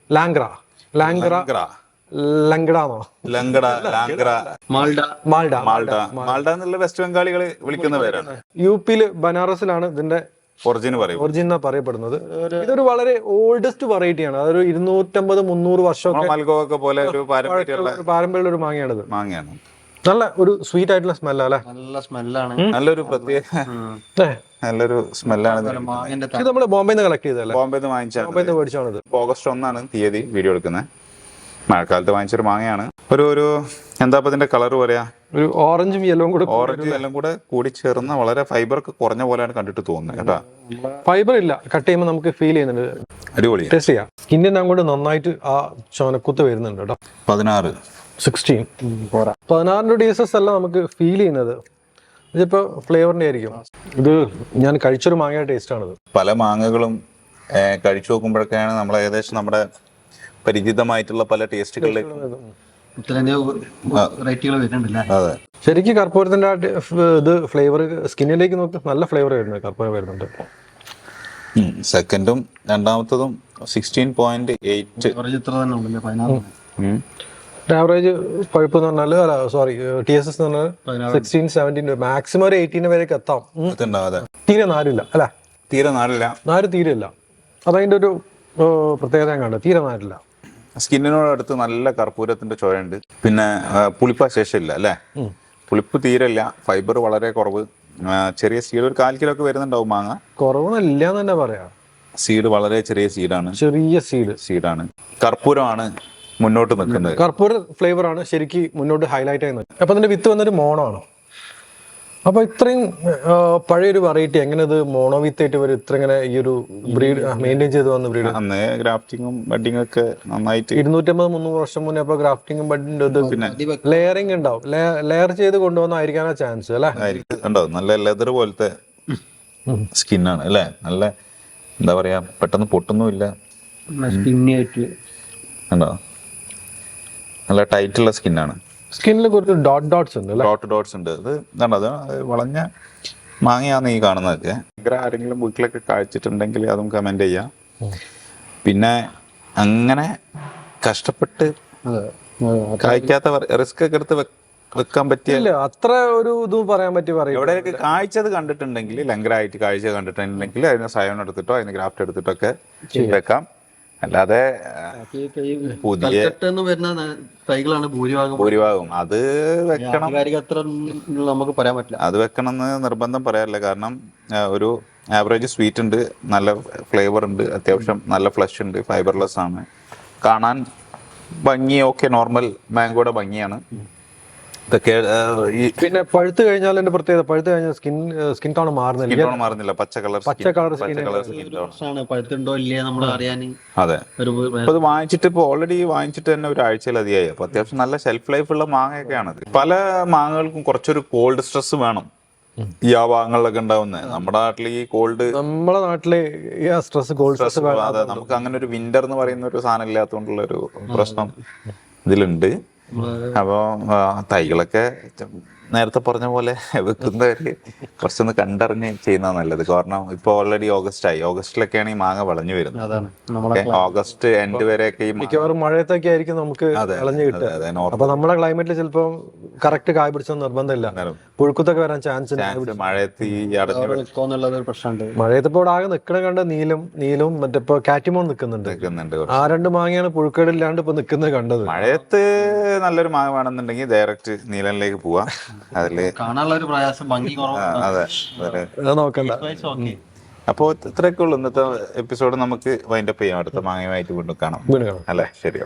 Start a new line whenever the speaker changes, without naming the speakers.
ലാംഗ്ര ലാംഗ്ര ലങ്കടാണോ
ലങ്കട ലാംഗ്ര
മാൾഡ
മാൾഡ മാൾഡ എന്നുള്ള വെസ്റ്റ് ബംഗാളികൾ വിളിക്കുന്ന പേരാണ്.
യുപിയിൽ ബനാറസിലാണ് ഇതിന്റെ ഒറിജിൻ പറയപ്പെടുന്നത്. ഇതൊരു വളരെ ഓൾഡസ്റ്റ് വെറൈറ്റിയാണ്. അതൊരു 250-300 വർഷമൊക്കെ
മൽഗോവൊക്കെ പോലെ ഒരു
പാരമ്പര്യമുള്ള ഒരു മാങ്ങയാണിത്.
മാങ്ങയാണ്.
നല്ല ഒരു സ്വീറ്റ് ആയിട്ടുള്ള സ്മെല്ല് അല്ലെ?
നല്ല സ്മെല്ലാണ്.
നല്ലൊരു പ്രത്യേക നല്ലൊരു സ്മെല്ലാണ്.
ഇത് നമ്മള് ബോംബെന്ന് കളക്ട് ചെയ്തല്ലേ?
ബോംബെന്ന് വാങ്ങിച്ചാണ്.
ബോംബെന്ന് മേടിച്ചാണിത്.
ഓഗസ്റ്റ് 1 തീയതി വീഡിയോ എടുക്കുന്നത്. മഴക്കാലത്ത് വാങ്ങിച്ചൊരു മാങ്ങയാണ്. ഒരു എന്താ ഇതിന്റെ കളർ പറയാ,
ഒരു ഓറഞ്ചും യെല്ലോയും
കൂടെ കൂടി ചേർന്ന വളരെ ഫൈബർ ഒക്കെ കുറഞ്ഞ പോലെയാണ് കണ്ടിട്ട് തോന്നുന്നത് കേട്ടാ.
ഫൈബർ ഇല്ല, കട്ട് ചെയ്യുമ്പോൾ നമുക്ക് ഫീൽ ചെയ്യുന്നുണ്ട്. അടിപൊളി ടേസ്റ്റ് ചെയ്യാം. സ്കിന്നിന് അങ്ങോട്ട് നന്നായിട്ട് ആ ചോനക്കുത്ത് വരുന്നുണ്ട് കേട്ടോ. 16 ഡീസസ് അല്ല നമുക്ക് ഫീൽ ചെയ്യുന്നത്. ഇതിപ്പോ ഫ്ലേവറിന്റെ ആയിരിക്കും. ഇത് ഞാൻ കഴിച്ചൊരു മാങ്ങ ടേസ്റ്റ് ആണിത്.
പല മാങ്ങകളും കഴിച്ചു നോക്കുമ്പോഴൊക്കെയാണ് നമ്മൾ ഏകദേശം നമ്മുടെ പരിചിതമായിട്ടുള്ള പല ടേസ്റ്റുകളിലേക്ക്
അതെ.
ശരിക്കും കർപ്പൂരത്തിന്റെ ഇത് ഫ്ലേവർ സ്കിന്നിലേക്ക് നോക്ക് നല്ല ഫ്ലേവർ വരുന്നത്. കർപ്പൂരം വരുന്നുണ്ട്.
സെക്കൻഡും രണ്ടാമത്തതും 16.8.
ആവറേജ് പഴുപ്പ് എന്ന് പറഞ്ഞാൽ സോറി TSS എന്ന് പറഞ്ഞാൽ 16-17 മാക്സിമം ഒരു 18 വരെയൊക്കെ എത്താം. തീരെ നാരില്ല അല്ലെ? നാര് തീരെ ഇല്ല. അതതിന്റെ ഒരു പ്രത്യേകത കണ്ടു. തീരെ നാരില്ല.
സ്കിന്നിനോടടുത്ത് നല്ല കർപ്പൂരത്തിന്റെ ചോയുണ്ട്. പിന്നെ പുളിപ്പ ശേഷമില്ല അല്ലെ? പുളിപ്പ് തീരല്ല. ഫൈബർ വളരെ കുറവ്. ചെറിയ സീഡ് ഒരു 1/4 കിലോ ഒക്കെ വരുന്നുണ്ടാവും മാങ്ങ.
കുറവൊന്നുമില്ല എന്ന് തന്നെ പറയാം.
സീഡ് വളരെ ചെറിയ സീഡാണ്. സീഡാണ്. കർപ്പൂരമാണ് മുന്നോട്ട് നിൽക്കുന്നത്.
കർപ്പൂര ഫ്ലേവർ ആണ് ശരിക്കും മുന്നോട്ട് ഹൈലൈറ്റ് ചെയ്യുന്നത്. അപ്പൊ അതിന്റെ വിത്ത് വന്നൊരു മോണോ ആണ്. അപ്പൊ ഇത്രയും പഴയൊരു വെറൈറ്റി എങ്ങനെ ഇത് മോണോ വിത്ത് ആയിട്ട് വരും? ഇത്ര ഇങ്ങനെ ഈ ഒരു ബ്രീഡ് മെയിൻറ്റെയിൻ ചെയ്ത് വന്ന ബ്രീഡ്.
അന്ന് ഗ്രാഫ്റ്റിങ്ങും ബഡിങ്ങും ഒക്കെ നന്നായിട്ട്
250-300 വർഷം മുന്നേ അപ്പൊ ഗ്രാഫ്റ്റിംഗും ബഡിങ് ലെയറിംഗ് ഉണ്ടാവും. ലെയർ ചെയ്ത് കൊണ്ടുവന്നായിരിക്കാനാ ചാൻസ് അല്ലെ?
ഉണ്ടാവും. നല്ല ലെതർ പോലത്തെ സ്കിന്നാണ് അല്ലെ? നല്ല എന്താ പറയാ, പെട്ടെന്ന് പൊട്ടൊന്നുമില്ല. ഉണ്ടോ? നല്ല ടൈറ്റുള്ള സ്കിന്നാണ്.
സ്കിന്നിൽ കുറച്ച് ഡോട്ട്സ് ഉണ്ട്.
ഇത് അത് വളഞ്ഞ മാങ്ങയാന്ന് ഈ കാണുന്നതൊക്കെ. ആരെങ്കിലും വീട്ടിലൊക്കെ കഴിച്ചിട്ടുണ്ടെങ്കിൽ അതും കമന്റ് ചെയ്യാം. പിന്നെ അങ്ങനെ കഷ്ടപ്പെട്ട് കഴിക്കാത്ത റിസ്ക് ഒക്കെ എടുത്ത് വെക്കാൻ പറ്റിയ
അത്ര ഒരു ഇതും പറയാൻ പറ്റി.
എവിടെയൊക്കെ കാഴ്ചത് കണ്ടിട്ടുണ്ടെങ്കിൽ ലങ്കരായിട്ട് കാഴ്ച കണ്ടിട്ടുണ്ടെങ്കിൽ അതിന് സയോൺ എടുത്തിട്ടോ അതിന് ഗ്രാഫ്റ്റ് എടുത്തിട്ടോ ഒക്കെ വെക്കാം. അല്ലാതെ പുതിയ ഭൂരിഭാഗം അത് വെക്കണം,
നമുക്ക് പറയാൻ പറ്റില്ല.
അത് വെക്കണം എന്ന് നിർബന്ധം പറയാറില്ല. കാരണം ഒരു ആവറേജ് സ്വീറ്റ് ഉണ്ട്, നല്ല ഫ്ലേവർ ഉണ്ട്, അത്യാവശ്യം നല്ല ഫ്ലഷ് ഉണ്ട്, ഫൈബർലെസ് ആണ്, കാണാൻ ഭംഗി ഒക്കെ നോർമൽ മാംഗോയുടെ ഭംഗിയാണ്. ഇതൊക്കെ
പിന്നെ പഴുത്ത് കഴിഞ്ഞാൽ എന്റെ പ്രത്യേകത, പഴുത്ത് കഴിഞ്ഞാൽ സ്കിൻ ടോൺ
മാറുന്നില്ല. പച്ച കളർ
പഴുത്തുണ്ടോ ഇല്ലേ നമ്മൾ അറിയാൻ.
അതെ. അപ്പൊ ഇത് വാങ്ങിച്ചിട്ട് ഇപ്പൊ ഓൾറെഡി വാങ്ങിച്ചിട്ട് തന്നെ ഒരു ആഴ്ചയിലധികമായി. അപ്പൊ അത്യാവശ്യം നല്ല ഷെൽഫ് ലൈഫ് ഉള്ള മാങ്ങയൊക്കെയാണ്. പല മാങ്ങകൾക്കും കുറച്ചൊരു കോൾഡ് സ്ട്രെസ് വേണം. ഈ ആ ഭാഗങ്ങളിലൊക്കെ ഉണ്ടാവുന്നത്. നമ്മുടെ നാട്ടിൽ ഈ
നമ്മുടെ നാട്ടിലെ കോൾഡ് സ്ട്രെസ്
അതെ, നമുക്ക് അങ്ങനെ ഒരു വിന്റർ എന്ന് പറയുന്ന ഒരു സാധനം ഇല്ലാത്തതുകൊണ്ടുള്ള ഒരു പ്രശ്നം ഇതിലുണ്ട്. അപ്പൊ തൈകളൊക്കെ നേരത്തെ പറഞ്ഞ പോലെ വെക്കുന്നവര് കുറച്ചൊന്ന് കണ്ടറിഞ്ഞ് ചെയ്യുന്ന നല്ലത്. കാരണം ഇപ്പൊ ഓൾറെഡി ഓഗസ്റ്റിലൊക്കെയാണ് ഈ മാങ്ങ വിളഞ്ഞു വരുന്നത്. ഓഗസ്റ്റ് എൻഡ് വരെയൊക്കെ
മിക്കവാറും മഴയത്തൊക്കെ ആയിരിക്കും നമുക്ക് വിളഞ്ഞു കിട്ടുക. അപ്പൊ നമ്മുടെ ക്ലൈമറ്റിൽ ചിലപ്പോൾ കറക്റ്റ് കായ പിടിച്ച നിർബന്ധമില്ല, പുഴുക്കുത്തൊക്കെ വരാൻ ചാൻസ് ഉണ്ട്.
മഴയത്ത്
മഴയത്ത് ഇപ്പോൾ ആകെ നിൽക്കണ കണ്ട നീലും മറ്റിപ്പോ കാറ്റിമോൺ നിൽക്കുന്നുണ്ട്. ആ 2 മാങ്ങയാണ് പുഴുക്കേടില്ലാണ്ട് ഇപ്പൊ നിൽക്കുന്നത് കണ്ടത്.
മഴയത്ത് നല്ലൊരു മാങ്ങ വേണമെന്നുണ്ടെങ്കിൽ ഡയറക്റ്റ് നീലനിലേക്ക് പോവാ. അതില്
കാണാനുള്ള ഒരു പ്രയാസം, ഭംഗി
അതെ
നോക്കണ്ട.
അപ്പോ ഇത്രയൊക്കെ ഉള്ളൂ ഇന്നത്തെ എപ്പിസോഡ്. നമുക്ക് വൈൻഡപ്പ് ചെയ്യാം. അടുത്ത മാങ്ങയുമായിട്ട് വീണ്ടും കാണാം അല്ലെ? ശരി.